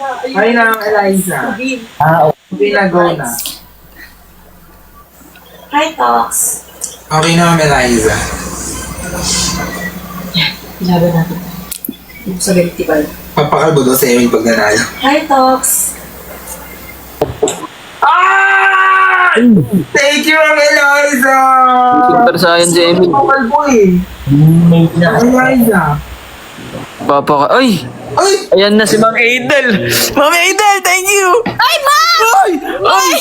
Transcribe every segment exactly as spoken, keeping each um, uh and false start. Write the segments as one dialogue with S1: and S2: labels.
S1: Hi na, Eliza.
S2: Ah,
S1: Okay na, go na.
S3: Hi, Tox.
S1: Okay na, Eliza.
S3: Ilaban natin. Yung sa vertical.
S1: Papakalbo daw sa Emil pag nanalo.
S3: Hi, Tox.
S1: Ah! Thank you, Ma'am Eliza!
S4: Super science si Emil.
S1: Papakalbo eh.
S2: mate na.
S1: Eliza.
S4: Papa ka. Ay!
S1: Ay!
S4: Ayan na si Ma'am Adel! Ma'am Adel, thank you!
S5: Ay, ma'am!
S4: Ay! Ay!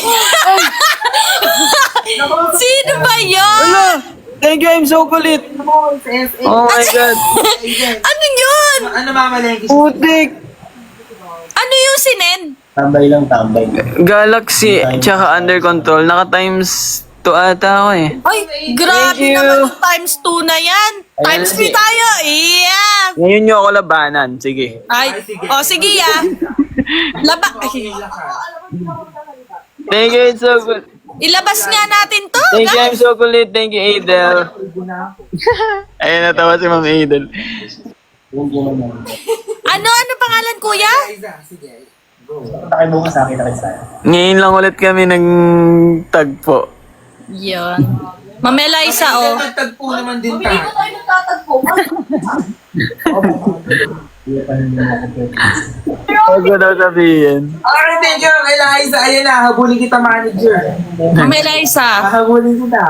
S5: Sino ba yun?
S4: Wala! Thank you, I'm so kulit! Oh my God!
S5: Ano yun?
S1: Ano mamalengke siya?
S4: Putik!
S5: Ano yung sinend?
S2: Tambay lang, tambay.
S4: Galaxy, tsaka under control. Naka times two ata ako eh.
S5: Ay, grabe
S4: Thank you.
S5: naman yung times two na yan. Times three tayo. Yeah.
S4: Ngayon nyo ako labanan. Sige.
S5: Ay, oh, sige ah. Laba. Ay,
S4: Thank you, it's so good.
S5: ilabas nga natin to.
S4: Thank you,
S5: guys.
S4: I'm so kulit. Thank you, Adel. Ayun, natawa si Ma'am Adel.
S5: Ano, ano pangalan, kuya?
S1: Eliza, sige.
S2: Takay bukas sa akin, takay sa akin.
S4: Ngayon lang ulit kami nagtagpo.
S5: Yun. Ma'am Eliza, oh.
S1: Nagtagpo naman din tayo.
S3: tayo nagtatagpo.
S2: Hindi pa rin naman ako.
S4: Huwag ko daw sabihin.
S1: Okay, thank you, Ma'am Eliza. Ayun na, habulin kita, manager.
S5: Ma'am Eliza.
S1: Habulin kita.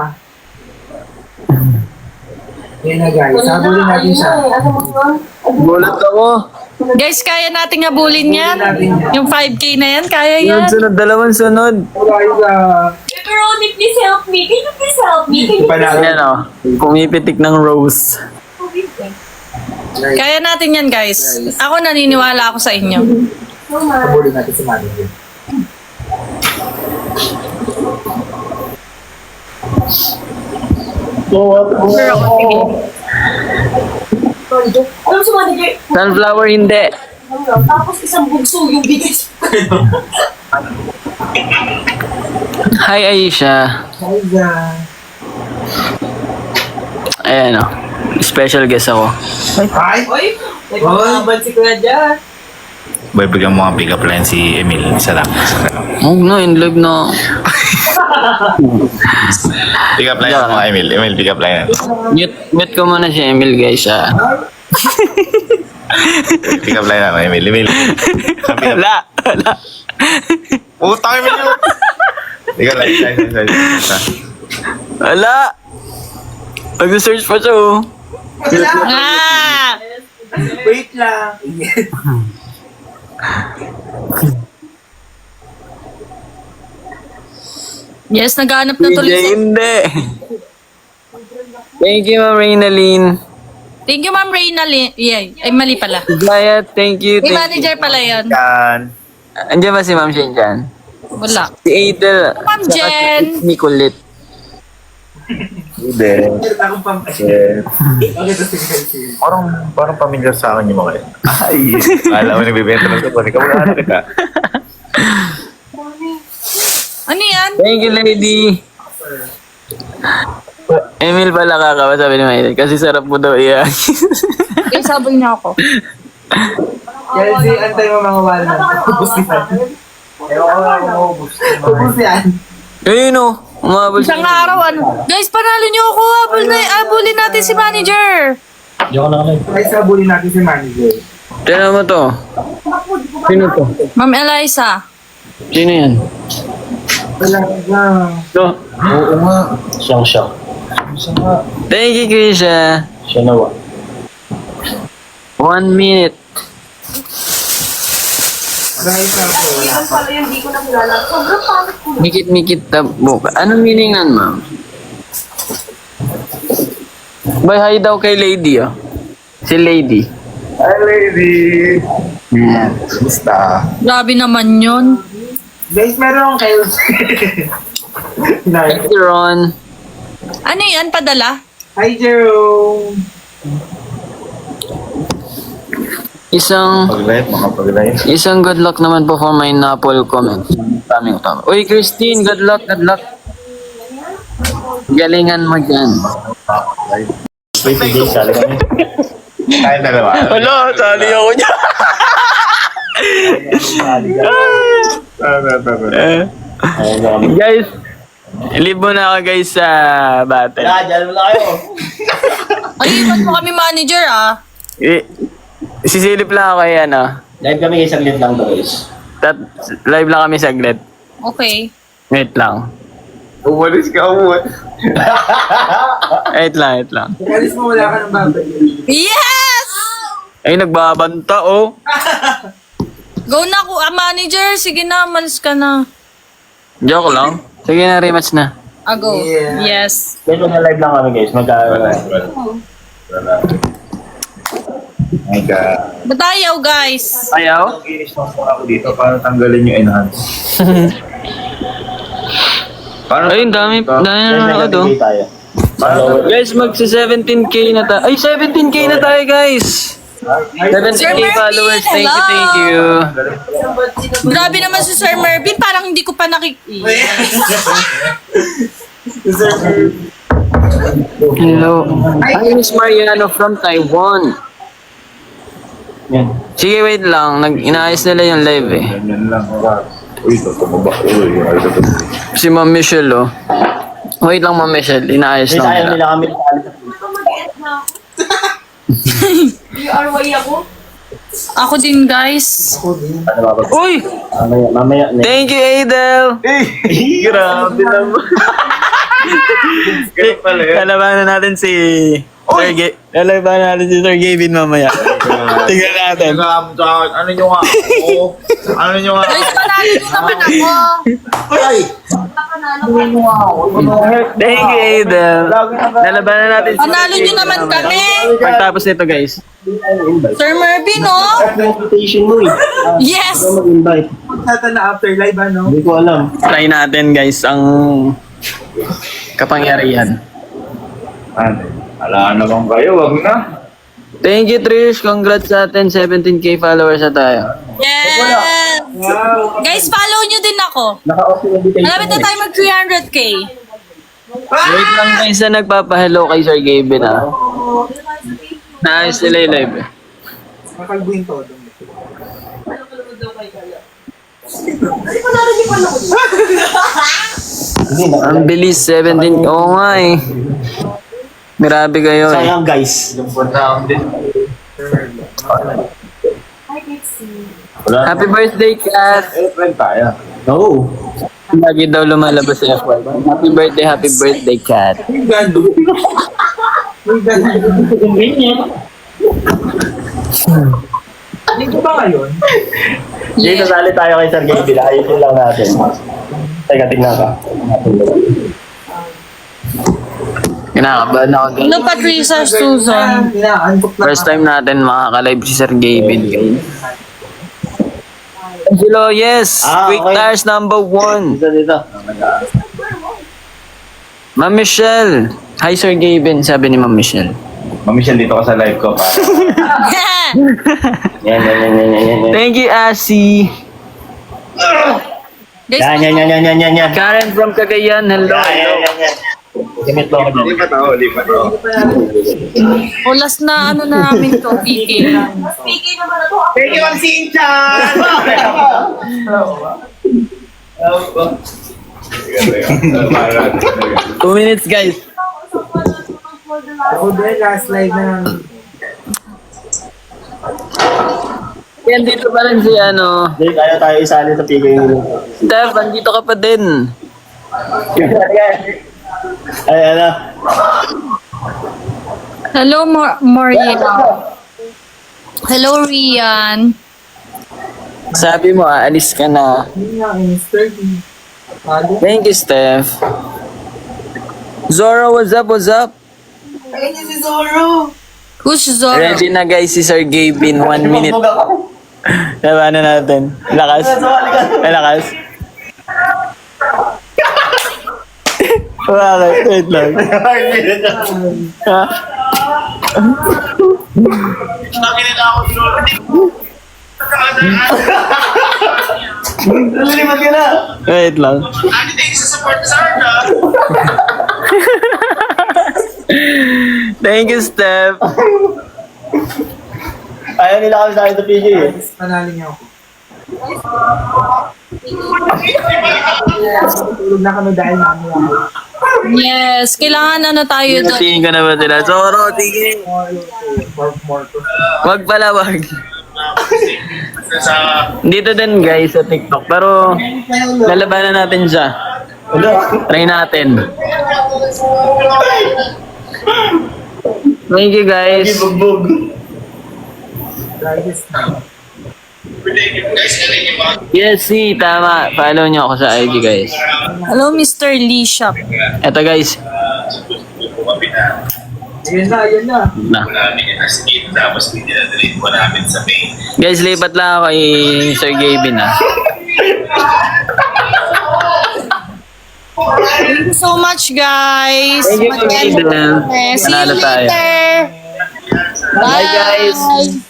S1: Ayun na, guys. Habulin natin siya.
S4: Gulat ako.
S5: Guys, kaya nating habulin yan. Yung five K na yan, kaya yan.
S4: Sunod, sunod, dalawang sunod.
S1: Eliza.
S3: Pepperoni, please help me. Can you please help me? Can you
S1: Panalo.
S4: Ayan o, pumipitik ng rose.
S5: Kaya natin yan, guys. Ako naniniwala ako sa inyo.
S1: Habulin natin si manager.
S5: Sure ako, sige.
S3: Alam sa manager,
S4: Sunflower hindi.
S3: tapos isang bugso yung bigay sa
S4: Hi Aisha.
S1: Eliza.
S4: Ayan o, special guest ako.
S1: Hi.
S3: Oy, nagkakaban si Kuya dyan.
S6: Boy, bigyan mo ang pick-up line si Emil. Isa lang.
S4: Huwag na, in live na.
S6: Pick-up line mo, Emil. Emil, pick-up line.
S4: Mute, mute ko muna si Emil guys ah.
S6: Pick-up line mo, Emil. Emil.
S4: Wala, wala.
S6: Utang, Emil yun. Pick-up line. line, line, line, line.
S4: Wala. Mag-search pa siya oh.
S1: Wala.
S5: Ah!
S1: Wait lang.
S5: Yes, naghanap na
S4: P J,
S5: tuloy si...
S4: hindi. Thank you, Ma'am Reynalyn.
S5: Thank you, Ma'am Reynalyn. Yeah, ay mali pala.
S4: Gaya, thank you,
S5: May
S4: thank you.
S5: manager pala yun.
S6: Yan.
S4: Andiyan ba si Ma'am Shin dyan?
S5: Wala.
S4: Si Adel.
S5: Ma'am
S4: Saka
S5: Jen.
S4: si Ni kulit.
S6: Hindi.
S1: Meron akong pampasya.
S6: Yeah.
S1: Okay, ito sige.
S6: Parang, parang familiar sa akin yung mga yun. Ay. Alam mo, nagbibenta ng sabon. Ikaw wala na kita.
S5: Ano yan?
S4: Thank you, lady. Emil pala kakawa, sabi ni Maylin. Kasi sarap mo daw iyan.
S5: Yung sabon niya ako.
S1: Chelsea, antay mo mga walnut. Ubus yan. Ewan ko lang kung ubus. Ubus yan.
S4: Ayun o. Umabol
S5: Isang araw, ano? Guys, panalo niyo ako. Abul na, abulin natin si manager.
S2: Diyan ka na kami.
S1: Guys, habulin natin si manager.
S4: Tignan mo to. Sino to?
S5: Ma'am Eliza.
S4: Sino yan?
S1: Wala lang.
S4: To.
S2: Oo nga. Siyang siya. Siya nga.
S4: Thank you, Krisha.
S2: Siya nawa.
S4: One minute.
S1: Guys, ako.
S3: Yan pala yung di ko nakilala. Sobrang pangit ko.
S4: Mikit-mikit tabok. Anong meaning nan, ma'am? Bay, hi daw kay lady, oh. Si lady.
S6: Hi, lady.
S4: Hmm.
S6: Basta.
S5: Grabe naman yun.
S1: Guys, meron akong kayo.
S4: Thank you, Ron.
S5: Ano yan? Padala?
S1: Hi, Jerome.
S4: Isang...
S6: Pag-live, mga pag-live.
S4: Isang good luck naman po for my Napol comment. Kaming utama. Uy, Christine, good luck, good luck. Galingan mo dyan.
S2: Wait, P J, sali kami.
S6: Tayo dalawa.
S4: Wala, sali ako niya. Eh, guys, live mo na ako guys sa battle.
S2: Kaya, dyan mo na kayo.
S5: Ay, iwan mo kami manager ah.
S4: Eh, sisilip lang ako kay ano.
S2: Live kami isang lit lang to guys.
S4: Tat, live lang kami saglit.
S5: Okay.
S4: Wait lang.
S6: Umalis ka, umalis.
S4: Wait lang, wait lang.
S1: Alis mo, wala ka ng babay.
S5: Yes!
S4: Ay, nagbabanta oh.
S5: Go na ko, ah, manager. Sige na, malis ka na.
S4: Joke lang. Sige na, rematch na.
S5: Ah, go.
S1: Yeah.
S5: Yes.
S2: Guys, na live lang kami guys. Magka...
S6: Wala, wala. Wala. My God.
S5: Ba't ayaw, guys?
S4: Ayaw?
S6: Inis mo ako dito para tanggalin yung enhance. Paano?
S4: Ay, dami, dami
S2: Guys,
S4: na ako do.
S2: nag-gameplay tayo.
S4: Guys, magsi seventeen K na tayo. Ay, seventeen K na tayo, guys! seventeen K followers, thank you, thank you.
S5: Grabe naman si Sir Mervin. Parang hindi ko pa nakik...
S4: Hello. Hi, Miss Mariano from Taiwan.
S2: Yan.
S4: Sige, wait lang. Nag inaayos nila yung live eh.
S6: Ganyan lang. Uy, ito, tumaba. Uy, ay, ito, ito.
S4: Si Ma'am Michelle, oh. Wait lang, Ma'am Michelle. Inaayos
S2: Guys,
S4: lang
S2: ayaw
S4: nila.
S2: nila kami sa alis.
S3: You are way ako.
S5: Ako din, guys.
S2: Ano ba ba?
S4: Uy!
S2: Mamaya, mamaya. next.
S4: Thank you, Adel!
S6: Grabe naman. Ganun pala yun.
S4: Lalabanan natin si... Sir Ga- Lalabanan natin si Sir Gavin mamaya. Tingnan natin.
S6: Ano nyo nga? Oo. Ano nyo nga?
S5: Guys, panalo nyo naman ako.
S2: Ay!
S4: Thank you, Adel. Lalabanan natin si
S5: Panalo nyo naman kami.
S4: Pagtapos nito, guys.
S5: Sir Mervin, oh.
S2: Invitation mo eh.
S5: Yes.
S2: Ano mag-invite?
S1: Tata na after live, ano?
S2: Hindi ko alam.
S4: Try natin, guys, ang kapangyarihan.
S6: Ano? Ala naman kayo, wag na.
S4: Thank you, Trish. Congrats sa atin. seventeen K followers na tayo.
S5: Yes.
S1: Wow!
S5: Guys, follow nyo din ako.
S2: Naka-off yung invitation.
S5: Malapit na tayo mag three hundred K.
S4: Wait lang, guys, na nagpapahello kay Sir Gavin, ah. Naayos nila yung live, eh.
S1: Makalbuhin to.
S2: Hindi na.
S4: Ang bilis, seventeen. Oo nga, eh. Grabe kayo, eh.
S2: Sayang guys.
S6: Yung phone round din.
S2: Wala.
S4: Happy birthday, Kat!
S6: Eh, friend tayo.
S2: No.
S4: Lagi daw lumalabas sa F Y. Happy birthday, happy birthday, Kat.
S1: May gando. May gando. Dito ba ngayon?
S2: Dito sali tayo kay Sir Gaby. Ayusin lang natin. Teka, tingnan ka.
S4: Kinakabahan ako, guys.
S5: Ano, Patricia Susan?
S1: Inaantok na.
S4: First time natin makaka-live si Sir Gavin, guys. Hello, yes!
S2: Ah,
S4: Quick
S2: okay.
S4: Tires number one.
S2: Dito, dito.
S4: Ma'am Michelle. Hi, Sir Gavin, sabi ni Ma'am Michelle.
S6: Mami siya dito ka sa live ko pa.
S2: Yan, yan, yan, yan, yan, yan.
S4: Thank you, Asi.
S5: Guys,
S2: Yan, yan, yan, yan, yan, yan, yan.
S4: Karen from Cagayan, hello.
S2: Yan, yan, yan, yan. Simit mo ako dyan.
S6: Lipat ako, lipat ako.
S5: ulas na ano na namin to, P K.
S3: Speaking naman na to.
S6: Thank you, Ma'am Sinchan!
S4: Two minutes, guys.
S1: Ako din, last live na namin.
S4: Yan, dito pa rin si ano.
S2: Hindi, kaya tayo isali sa P K.
S4: Steph, andito ka pa din.
S2: Ay, ano?
S5: Hello, Mor Moriel. Hello, Rian.
S4: Sabi mo, aalis ka na.
S1: Hindi nga, in thirty. Halo.
S4: Thank you, Steph. Zoro, what's up, what's up?
S1: Ayun niya si Zoro!
S5: Who's Zoro?
S4: Ready na guys si Sir Gavin, one minute. Labanan natin. Lakas. Lakas. Bakit? Wait lang. Ha?
S2: Lilipat ka na!
S4: Wait lang. Thank you, Steph.
S2: Ayaw nila kami sa akin sa P K eh.
S1: Panalo niya ako. Tulog na kami dahil mamaya.
S5: Yes, kailangan ano tayo doon.
S4: Tingin ka na ba sila? Zoro, tingin!
S1: More, more to.
S4: Wag pala, wag. Dito din guys sa TikTok. Pero lalabanan natin siya. Try natin. Thank you guys. Yes, see, tama. Follow nyo ako sa I G guys.
S5: Hello, Mister Lee Shop.
S4: Eto guys.
S1: Yun na, yun na.
S4: Na.
S6: Tapos dinadalate mo namin sa main.
S4: Guys, lipat lang ako kay Sir Gavin ah.
S5: Thank you so much, guys.
S4: Thank you,
S5: Mag-end.
S4: Gavin.
S5: See you
S4: Panalo tayo.
S5: later.
S4: Bye guys.
S5: Bye.